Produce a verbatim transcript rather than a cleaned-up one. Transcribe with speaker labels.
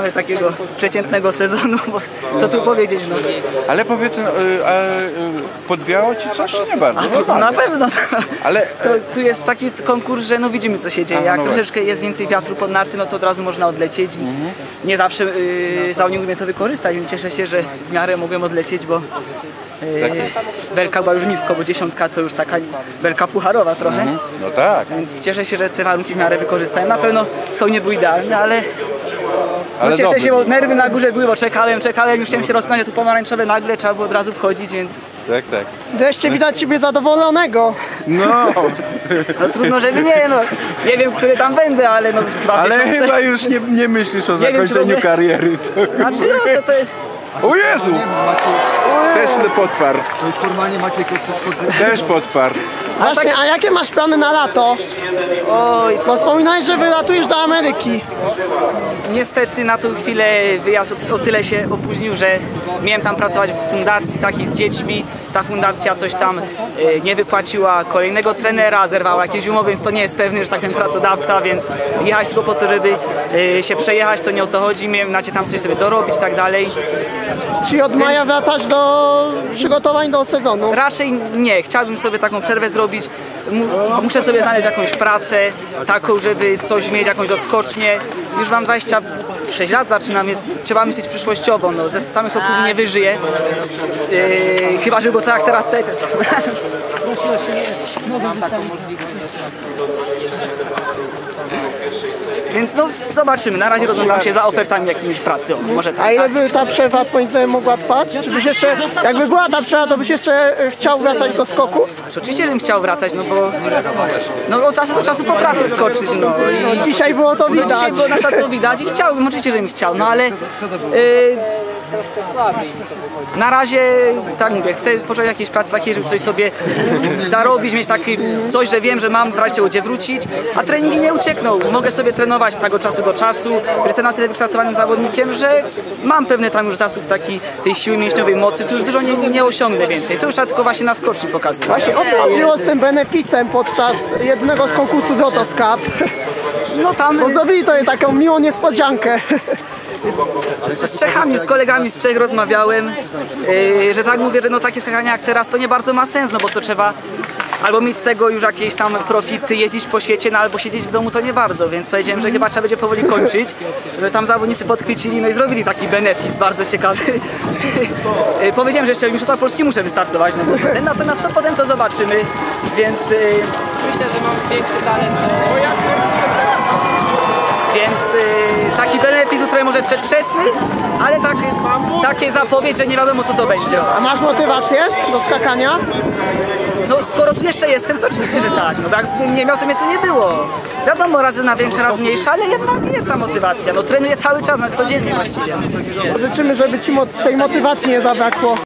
Speaker 1: trochę takiego przeciętnego sezonu, bo co tu powiedzieć, no.
Speaker 2: Ale powiedz, no, a podwiało ci coś? Nie bardzo.
Speaker 1: A to, to na pewno.
Speaker 2: Ale
Speaker 1: to, tu jest taki konkurs, że no widzimy co się dzieje. Jak
Speaker 2: no
Speaker 1: troszeczkę jest więcej wiatru pod narty, no to od razu można odlecieć i mhm. nie zawsze yy, zawodnik umie to wykorzystać, więc cieszę się, że w miarę mogłem odlecieć, bo Yy, belka była już nisko, bo dziesiątka to już taka belka pucharowa trochę. Mhm.
Speaker 2: No tak.
Speaker 1: Więc cieszę się, że te warunki w miarę wykorzystałem. Na pewno są nie były idealne, ale,
Speaker 2: ale
Speaker 1: no cieszę
Speaker 2: dobry.
Speaker 1: się, bo nerwy na górze były, bo czekałem, czekałem, już chciałem się rozpinać, tu pomarańczowe nagle, trzeba było od razu wchodzić, więc...
Speaker 2: Tak, tak.
Speaker 3: Wreszcie widać ciebie zadowolonego.
Speaker 2: No.
Speaker 1: No trudno, żeby nie, no. Nie wiem, który tam będę, ale no chyba
Speaker 2: Ale
Speaker 1: tysiące...
Speaker 2: chyba już nie, nie myślisz o nie zakończeniu wiem, kariery, co?
Speaker 1: Znaczy, no to to jest...
Speaker 2: O Jezu! Też podparł.
Speaker 4: Formalnie Maciek
Speaker 2: Też podparł.
Speaker 3: Właśnie, a jakie masz plany na lato?
Speaker 1: Oj,
Speaker 3: bo wspominałeś, że wylatujesz do Ameryki.
Speaker 1: Niestety na tą chwilę wyjazd o, o tyle się opóźnił, że miałem tam pracować w fundacji takiej z dziećmi. Ta fundacja coś tam y, nie wypłaciła kolejnego trenera, zerwała jakieś umowy, więc to nie jest pewny, że tak powiem, pracodawca, więc jechać tylko po to, żeby y, się przejechać, to nie o to chodzi. Miałem nacie tam coś sobie dorobić i tak dalej.
Speaker 3: Czyli od maja więc... wracasz do przygotowań do sezonu?
Speaker 1: Raczej nie, chciałbym sobie taką przerwę zrobić. Muszę sobie znaleźć jakąś pracę, taką, żeby coś mieć, jakąś doskocznię. Już mam dwadzieścia sześć lat, zaczynam, więc trzeba myśleć przyszłościowo. No, ze samych soków nie wyżyję. Yy, chyba, żeby było tak jak teraz chcecie. Więc no zobaczymy, na razie rozglądam się za ofertami jakimiś pracy. O, może tak.
Speaker 3: A ile by ta przerwa twoim zdaniem mogła trwać? Czy byś jeszcze, jakby była ta przerwa, to byś jeszcze chciał wracać do skoku?
Speaker 1: Oczywiście, żebym chciał wracać, no bo no, od czasu do czasu potrafię skoczyć. No, i,
Speaker 3: no dzisiaj było to widać.
Speaker 1: No, dzisiaj było na przykład to widać i chciałbym, oczywiście, żebym chciał, no ale... Yy, na razie, tak mówię, chcę poszukać jakiejś pracy takiej, żeby coś sobie zarobić, mieć taki coś, że wiem, że mam w razie gdzie wrócić, a treningi nie uciekną. Mogę sobie trenować tak od czasu do czasu, jestem na tyle wykształtowanym zawodnikiem, że mam pewny tam już zasób taki tej siły mięśniowej, mocy, to już dużo nie, nie osiągnę więcej. To już trzeba tylko właśnie na skoczni pokazywać.
Speaker 3: Właśnie, o co chodziło z tym beneficem podczas jednego z konkursów Lotos Cup?
Speaker 1: No tam...
Speaker 3: Bo zrobili to taką miłą niespodziankę.
Speaker 1: Z Czechami, z kolegami z Czech rozmawiałem, yy, że tak mówię, że no takie skakania jak teraz to nie bardzo ma sens, no bo to trzeba albo mieć z tego już jakieś tam profity, jeździć po świecie, no albo siedzieć w domu to nie bardzo, więc powiedziałem, że chyba trzeba będzie powoli kończyć, że tam zawodnicy podchwycili, no i zrobili taki benefis bardzo ciekawy. yy, powiedziałem, że jeszcze w Mistrzostwach Polski muszę wystartować, no bo ten, natomiast co potem to zobaczymy, więc... Yy,
Speaker 5: myślę, że mam większy talent.
Speaker 1: Więc yy, taki benefit, który może przedwczesny, ale tak, takie zapowiedź, że nie wiadomo co to będzie.
Speaker 3: A masz motywację do skakania?
Speaker 1: No skoro tu jeszcze jestem, to oczywiście, że tak. No jakbym nie miał, to mnie tu nie było. Wiadomo, razy na większe, raz mniejsze, ale jednak jest ta motywacja. No trenuję cały czas, codziennie właściwie.
Speaker 3: Życzymy, żeby ci tej motywacji nie zabrakło.